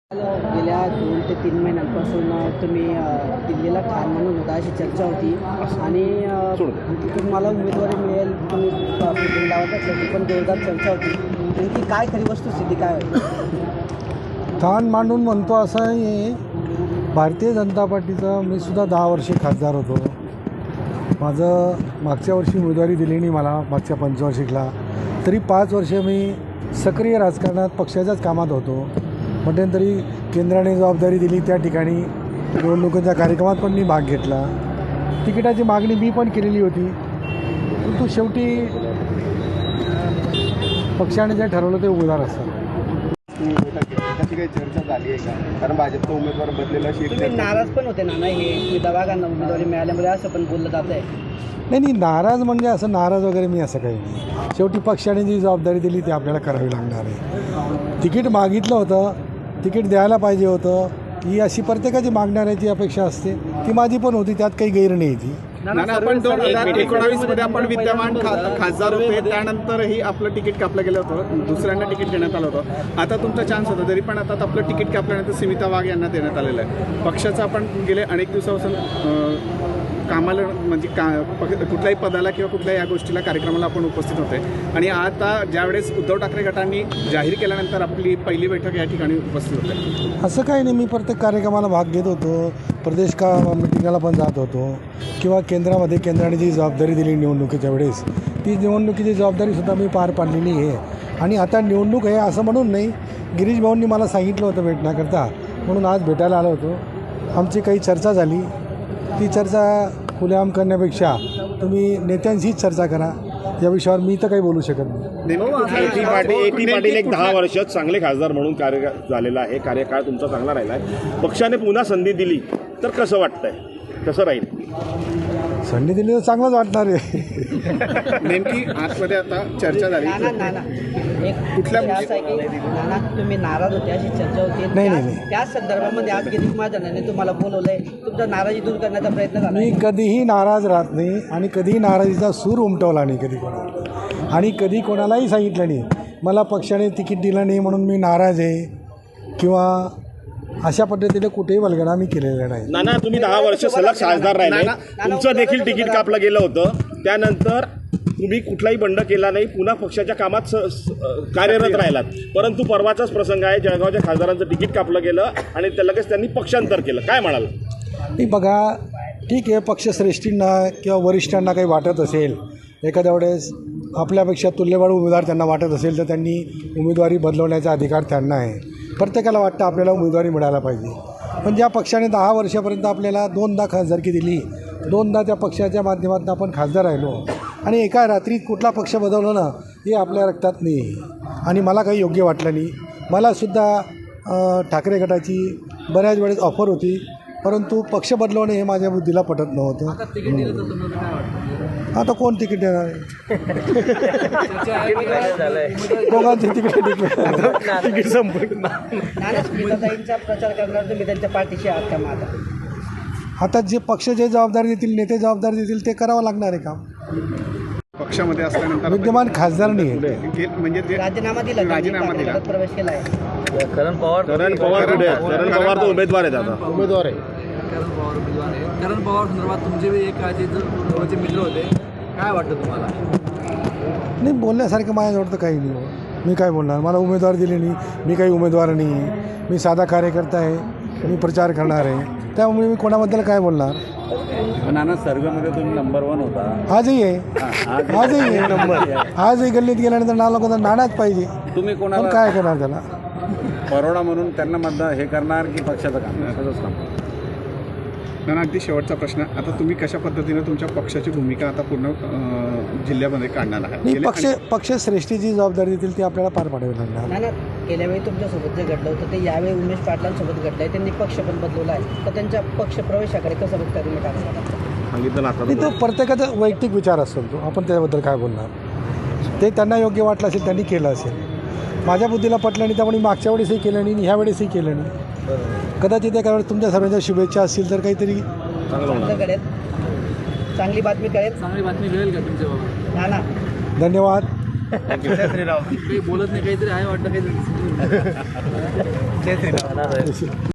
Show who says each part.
Speaker 1: गेल्या 2 ते 3 महिन्यांपासून तुम्ही दिल्लीला ठार म्हणून होता अशी चर्चा होती आणि तुम्हाला उमेदवारी मिळेल तुम्ही लावत असल्याची पण जोरदार चर्चा होती. नेमकी काय खरी वस्तुस्थिती काय होती?
Speaker 2: ठाण मांडून म्हणतो असं आहे. भारतीय जनता पार्टीचा मी सुद्धा 10 वर्षे खासदार होतो. माझं मागच्या वर्षी उमेदवारी दिली नाही मला, मागच्या पंचवार्षिकला. तरी 5 वर्ष मी सक्रिय राजकारणात पक्षाच्याच कामात होतो. मध्यंतरी केंद्राने जबाबदारी दिली त्या ठिकाणी निवडणुकीच्या कार्यक्रमात पण मी भाग घेतला. तिकिटाची मागणी मी पण केलेली होती, परंतु शेवटी पक्षाने जे ठरवलं ते उमेदवार असतात.
Speaker 3: त्याची काही चर्चा झाली आहे का? कारण भाजपचा उमेदवार बदलेला
Speaker 1: तुम्ही नाराज पण होते ना हे दवाखाना उमेदवारी मिळाल्यामुळे असं पण बोललं जात आहे.
Speaker 2: नाही नाराज म्हणजे असं नाराज वगैरे मी असं काही नाही. शेवटी पक्षाने जी जबाबदारी दिली ती आपल्याला करावी लागणार आहे. तिकीट मागितलं होतं, तिकीट द्यायला पाहिजे होतं, ही अशी प्रत्येकाची मागणाऱ्याची अपेक्षा असते. ती माझी पण होती, त्यात काही गैर नाही ती.
Speaker 3: आपण 2019 मध्ये आपण विद्यमान खासदार होते, त्यानंतरही आपलं तिकीट कापलं गेलं होतं, दुसऱ्यांना तिकीट देण्यात आलं होतं. आता तुमचा चान्स होता, तरी पण आता आपलं तिकीट कापल्यानंतर स्मिता वाघ यांना देण्यात आलेलं आहे. पक्षाचं आपण गेले अनेक दिवसापासून कामाला म्हणजे कुठल्याही पदाला किंवा कुठल्याही या गोष्टीला कार्यक्रमाला आपण उपस्थित होते आणि आता ज्यावेळेस उद्धव ठाकरे गटांनी जाहीर केल्यानंतर आपली पहिली बैठक या ठिकाणी उपस्थित होते.
Speaker 2: असं काही नाही. मी प्रत्येक कार्यक्रमाला भाग घेत होतो, प्रदेश मिटिंगाला पण जात होतो किंवा केंद्राने जी जबाबदारी दिली निवडणुकीच्या वेळेस ती निवडणुकीची जबाबदारीसुद्धा मी पार पाडलेली आहे. आणि आता निवडणूक आहे असं म्हणून नाही, गिरीश भाऊंनी मला सांगितलं होतं भेटण्याकरता, म्हणून आज भेटायला आलो होतो. आमची काही चर्चा झाली. ती चर्चा खुलेआम करण्यापेक्षा तुम्ही नेत्यांशीच चर्चा करा. या विषयावर मी तर काही बोलू शकत नाही.
Speaker 4: पाटील एक 10 वर्ष चांगले खासदार म्हणून कार्य झालेला आहे, कार्यकाळ तुमचा चांगला राहिला आहे. पक्षाने पुन्हा संधी दिली तर कसं वाटतंय, कसं राहील?
Speaker 2: संधी दिली तर चांगलंच वाटणार आहे.
Speaker 3: नेमकी आतमध्ये आता चर्चा झाली
Speaker 1: कुठल्या तुम्ही नाराज होते अशी चर्चा होती.
Speaker 2: नाही.
Speaker 1: त्या संदर्भामध्ये आज गिरीश महाजनांनी तुम्हाला बोलवलंय, तुमचा नाराजी दूर करण्याचा प्रयत्न झाला.
Speaker 2: मी कधीही नाराज राहत नाही आणि कधीही नाराजीचा सूर उमटवला नाही कधी कोणाला, आणि कधी कोणालाही सांगितलं नाही मला पक्षाने तिकीट दिलं नाही म्हणून मी नाराज आहे किंवा अशा पद्धतीने कुठेही वल्गणा मी केलेला नाही.
Speaker 4: नाना, तुम्ही 10 वर्ष सलग खासदार राहिले, तुमचं देखील तिकीट कापलं गेलं होतं. त्यानंतर तुम्ही कुठलाही बंड केला नाही, पुन्हा पक्षाच्या कामात कार्यरत राहिलात. परंतु परवाचाच प्रसंग आहे, जळगावच्या खासदारांचं तिकीट कापलं गेलं आणि लगेच त्यांनी पक्षांतर केलं. काय म्हणाल?
Speaker 2: नाही बघा, ठीक आहे, पक्षश्रेष्ठींना किंवा वरिष्ठांना काही वाटत असेल, एखाद्या वेळेस आपल्यापेक्षा तुल्यबळ उमेदवार त्यांना वाटत असेल तर त्यांनी उमेदवारी बदलवण्याचा अधिकार त्यांना आहे. प्रत्येकाला वाटतं आपल्याला उमेदवारी मिळायला पाहिजे. पण ज्या पक्षाने 10 वर्षापर्यंत आपल्याला 2दा खासदारकी दिली, 2दा त्या पक्षाच्या माध्यमातून आपण खासदार राहिलो आणि एका रात्रीत कुठला पक्ष बदलवलं ना हे आपल्या रक्तात नाही आणि मला काही योग्य वाटलं नाही. मलासुद्धा ठाकरे गटाची बऱ्याच वेळेस ऑफर होती, परंतु पक्ष बदलवणे हे माझ्या बुद्धीला पटत नव्हतं. आता कोण तिकीट देणार आहे? दोघांचे तिकीट संपलं.
Speaker 1: प्रचार करणार तुम्ही त्यांच्या पाठीशी आहात का? माझा
Speaker 2: आता जे पक्ष जे जबाबदारी देतील, नेते जबाबदारी देतील ते करावं लागणार आहे काम.
Speaker 3: पक्षामध्ये असल्यानंतर
Speaker 2: विद्यमान खासदार नाही
Speaker 3: म्हणजे ते
Speaker 1: राजीनामा दिला, प्रवेश केला आहे.
Speaker 4: करण पवार तर उमेदवार आहेत, आता उमेदवार आहे.
Speaker 5: करण पवार संदर्भात तुमचे एक जवळचे मित्र होते, काय वाटतं तुम्हाला?
Speaker 2: नाही, बोलण्यासारखं माझ्याजवळ तर काही नाही हो. मी काय बोलणार? मला उमेदवार दिले नाही, मी काही उमेदवार नाही आहे. मी साधा कार्यकर्ता आहे, मी प्रचार करणार आहे, त्यामुळे मी कोणाबद्दल काय बोलणार?
Speaker 6: नाना, सर्वेमध्ये तुम्ही नंबर 1 होता.
Speaker 2: आजही आहे नंबर. आजही गल्लीत गेल्यानंतर नाव नाणाच पाहिजे.
Speaker 6: तुम्ही कोणाला
Speaker 2: काय करणार त्याला?
Speaker 6: परोडा म्हणून त्यांना मतदान हे करणार की पक्षाचं काम? तसंच काम.
Speaker 3: नाना, अगदी शेवटचा प्रश्न, आता तुम्ही कशा पद्धतीने तुमच्या पक्षाची भूमिका आता पूर्ण जिल्ह्यामध्ये काढणार आहात?
Speaker 2: पक्षश्रेष्ठीची जबाबदारी देतील ती आपल्याला पार पाडावी लागणार.
Speaker 1: नाही, गेल्या वेळी तुमच्यासोबत जे घडलं होतं ते यावेळी उमेश पाटलांसोबत घडलं आहे. त्यांनी पक्ष पण बदलवला आहे, तर त्यांच्या पक्ष प्रवेशाकडे कसं बघता तुम्ही?
Speaker 4: सांगितलं ना आता.
Speaker 2: नाही, तो प्रत्येकाचा वैयक्तिक विचार असतो, तो आपण त्याबद्दल काय बोलणार? ते त्यांना योग्य वाटलं असेल, त्यांनी केलं असेल. माझ्या बुद्धीला पटलं नाही, त्यामुळे मागच्या वेळेसही केलं नाही, ह्या वेळेसही केलं नाही. कदाचित एका वेळेस तुमच्या सर्वांच्या शुभेच्छा असतील तर काहीतरी
Speaker 1: चांगली बातमी कळेल.
Speaker 5: चांगली बातमी मिळेल का तुमच्या बाबा?
Speaker 2: धन्यवाद.
Speaker 5: काही बोलत नाही, काहीतरी आहे वाटतं काहीतरी.